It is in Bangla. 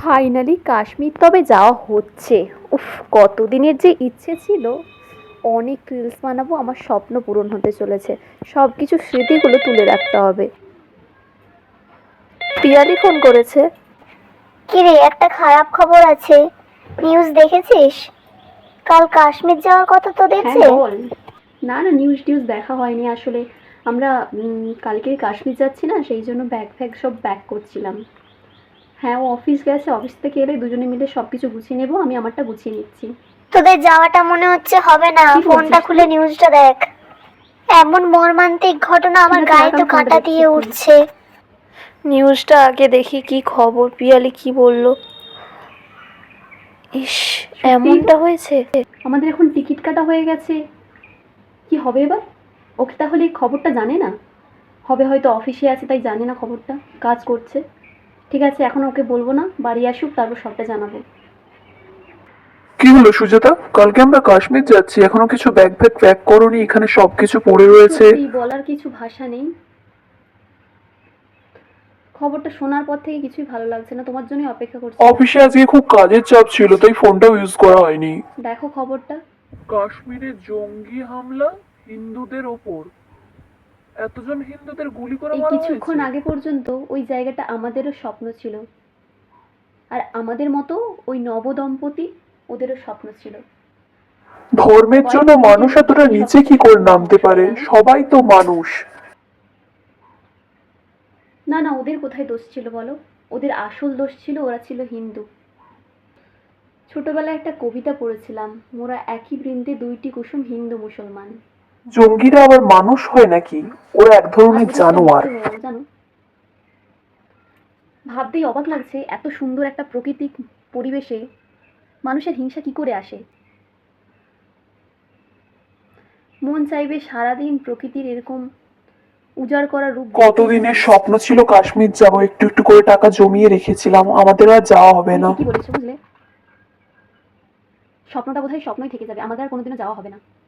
ফাইনালি কাশ্মীর তবে যাওয়া হচ্ছে। উফ, কতদিনের যে ইচ্ছে ছিল। অনেক রিলস বানাবো, আমার স্বপ্ন পূরণ হতে চলেছে। সব কিছু স্মৃতিগুলো তুলে রাখতে হবে। পিয়ালি ফোন করেছে। কিরে, একটা খারাপ খবর আছে। নিউজ দেখেছিস? কাল কাশ্মীর যাওয়ার কথা তোদের হ্যাঁ যে। বল। না না, নিউজ টিউজ দেখা হয়নি আসলে। আমরা কালকে কাশ্মীর যাচ্ছি না, সেই জন্য ব্যাগ ফ্যাগ সব প্যাক করছিলাম। হ্যাঁ, ও অফিস গেছে, অফিস থেকে এলে দুজনে মিলে সব কিছু গুছিয়ে নেবো। আমি আমারটা গুছিয়ে নিচ্ছি। তোদের যাওয়াটা মনে হচ্ছে হবে না। কি ফোনটা বলছিস খুলে তুই? নিউজটা দেখ। এমন মর্মান্তিক ঘটনা, ঠিক আমার আছে, গায়ে রাখ, তো আমি ফোনটা কাঁটা দেখছি দিয়ে এক্ষুনি। উঠছে। নিউজটা আগে দেখি কি খবর, পিয়ালি কি বলল। ইস, সত্যি এমনটা হয়েছে। আমাদের এখন টিকিট কাটা হয়ে গেছে। কি হবে এবার? ওকে তাহলে এই খবরটা জানে না? হবে হয়তো অফিসে আছে তাই জানে না খবরটা, কাজ করছে। ঠিক আছে, এখন ওকে বলবো না, বাড়ি আসুক তারপর সবটা জানাবো। কি হলো সুজাতা? কালকে আমরা কাশ্মীর যাচ্ছি, এখনো কিছু ব্যাগ ফ্যাগ প্যাক করোনি? এখানে সবকিছু পড়ে রয়েছে। সত্যি বলার কিছু ভাষা নেই। খবরটা শোনার পর থেকে কিছুই ভালো লাগছে না, তোমার জন্যই অপেক্ষা করছি। অফিসে আজকে খুব কাজের চাপ ছিল, তাই ফোনটাও ইউজ করা হয়নি। দেখো খবরটা। কাশ্মীরে জঙ্গি হামলা হিন্দুদের ওপর, এতজন হিন্দুদের গুলি করে এই মারা কিছুক্ষণ হয়েছে। আগে পর্যন্ত ওই জায়গাটা আমাদেরও স্বপ্ন ছিল। আর আমাদের মতো ওই নবদম্পতি, ওদেরও স্বপ্ন ছিল। ধর্মের জন্য কয়েক মানুষ মিনিটের এতটা মধ্যেই নিচে কি সবকিছু করে পুরো নামতে ধ্বংস হয়ে পারে? গেল। সবাই তো মানুষ। না না, ওদের কোথায় দোষ ছিল বলো? ওদের আসল দোষ ছিল ওরা ছিল হিন্দু। ছোটবেলায় একটা কবিতা পড়েছিলাম, মোরা একই বৃন্দে দুইটি কুসুম, হিন্দু মুসলমান। জঙ্গিরা আবার মানুষ হয় নাকি? ওরা এক আর ধরনের ওদের একটা জানোয়ার। মৃত্যু হয়ে গেল জানো। ভাবতেই অবাক লাগছে, এত সুন্দর একটা প্রাকৃতিক পরিবেশে মানুষের হিংসা কি করে আসে। মন চাইবে সারাদিন প্রকৃতির এরকম উজাড় করা রূপ দেখতেই কতদিনের থাকি। স্বপ্ন ছিল কাশ্মীর যাব, একটু একটু করে টাকা জমিয়ে রেখেছিলাম, আমাদের আর যাওয়া হবে তুমি না। ঠিকই বলেছো বুঝলে। স্বপ্নটা বোধহয় স্বপ্নই থেকে যাবে, আমাদের আর কোনোদিনও যাওয়া হবে না।